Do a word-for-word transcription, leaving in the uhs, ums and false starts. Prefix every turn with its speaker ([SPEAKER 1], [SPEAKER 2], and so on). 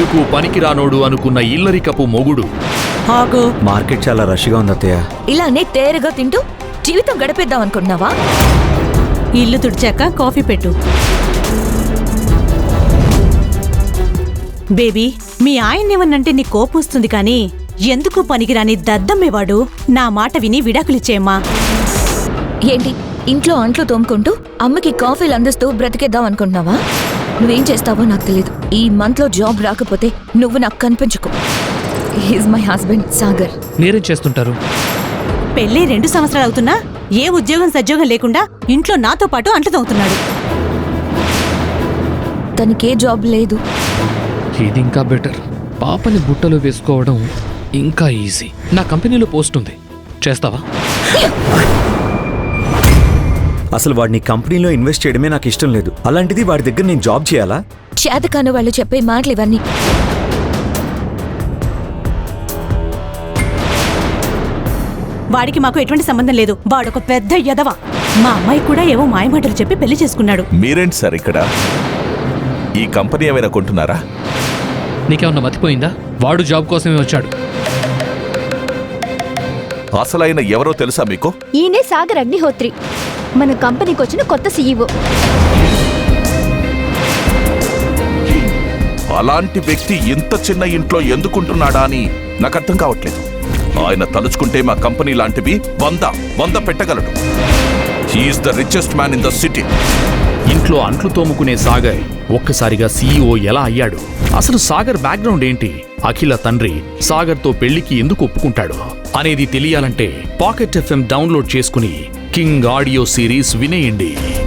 [SPEAKER 1] ఎందుకు పనికిరానోడు అనుకున్న ఇల్లరికపు మొగుడు.
[SPEAKER 2] ఆగు.
[SPEAKER 3] మార్కెట్ చాలా రష్గా ఉంది అత్తయ్య.
[SPEAKER 4] ఇలానే తేరగా తింటూ జీవితం గడిపేద్దాం అనుకుంటున్నావా?
[SPEAKER 2] ఇల్లు తుడిచాక కాఫీ పెట్టు. బేబీ, మీ ఆయన్నేమన్నంటే నీ కోపం వస్తుంది కానీ ఎందుకు పనికిరాని దద్దమ్మేవాడు. నా మాట విని విడాకులిచ్చేయమ్మా.
[SPEAKER 4] ఏంటి ఇంట్లో అంట్లు తోముకుంటూ అమ్మకి కాఫీలు అందిస్తూ బ్రతికేద్దాం అనుకుంటున్నావా? నువ్వేం చేస్తావో నాకు తెలియదు. ఈ మంత్ లో జాబ్ రాకపోతే నువ్వు నాకు కనిపించుకో. He's my husband Sagar.
[SPEAKER 5] మీరేం చేస్తుంటారు?
[SPEAKER 2] పెళ్ళి రెండు సంవత్సరాలు అవుతున్నా ఏ ఉద్యోగం సద్యోగం లేకుండా ఇంట్లో నాతో పాటు అంట్లు తోముతున్నాడు.
[SPEAKER 4] తనకే జాబ్ లేదు.
[SPEAKER 5] ఇది ఇంకా బెటర్. పాపని బుట్టలో వేసుకోవడం ఇంకా ఈజీ. నా కంపెనీలో పోస్ట్ ఉంది, చేస్తావా?
[SPEAKER 3] అసలు వాడిని కంపెనీలో ఇన్వెస్ట్ చేయడమే నాకు ఇష్టం లేదు. అలాంటిది వాడి దగ్గర నేను జాబ్ చేయాలా?
[SPEAKER 4] చేతకాని వాళ్ళు చెప్పే మాటలు ఇవన్నీ.
[SPEAKER 2] వాడికి మాకు ఎటువంటి సంబంధం లేదు. వాడొక పెద్ద యదవ. మా అమ్మాయి కూడా ఏవో మాయమాటలు చెప్పి పెళ్లి చేసుకున్నాడు.
[SPEAKER 6] మీరేంటి సార్ ఇక్కడ? ఈ కంపెనీ ఏమైనా కొంటున్నారా?
[SPEAKER 5] నీకేమన్నా మతిపోయిందా? వాడు జాబ్ కోసమే వచ్చాడు.
[SPEAKER 6] అసలైన ఎవరో తెలుసా మీకు?
[SPEAKER 7] ఈయనే సాగర్ అగ్నిహోత్రి, మన కంపెనీకి వచ్చిన కొత్త సీఈఓ.
[SPEAKER 6] అలాంటి వ్యక్తి ఇంత చిన్న ఇంట్లో ఎందుకుంటున్నాడా అని నాకు అర్థం కావట్లేదు. ఆయన తలుచుకుంటే మా కంపెనీ లాంటివి వంద వంద పెట్టగలడు. He's the richest man in the city.
[SPEAKER 1] ఇంట్లో అంట్లు తోముకునే సాగర్ ఒక్కసారిగా సీఈఓ ఎలా అయ్యాడు? అసలు సాగర్ బ్యాక్గ్రౌండ్ ఏంటి? అఖిల తండ్రి సాగర్తో పెళ్లికి ఎందుకు ఒప్పుకుంటాడు అనేది తెలియాలంటే పాకెట్ ఎఫ్ఎం డౌన్లోడ్ చేసుకుని కింగ్ ఆడియో సిరీస్ వినేయండి.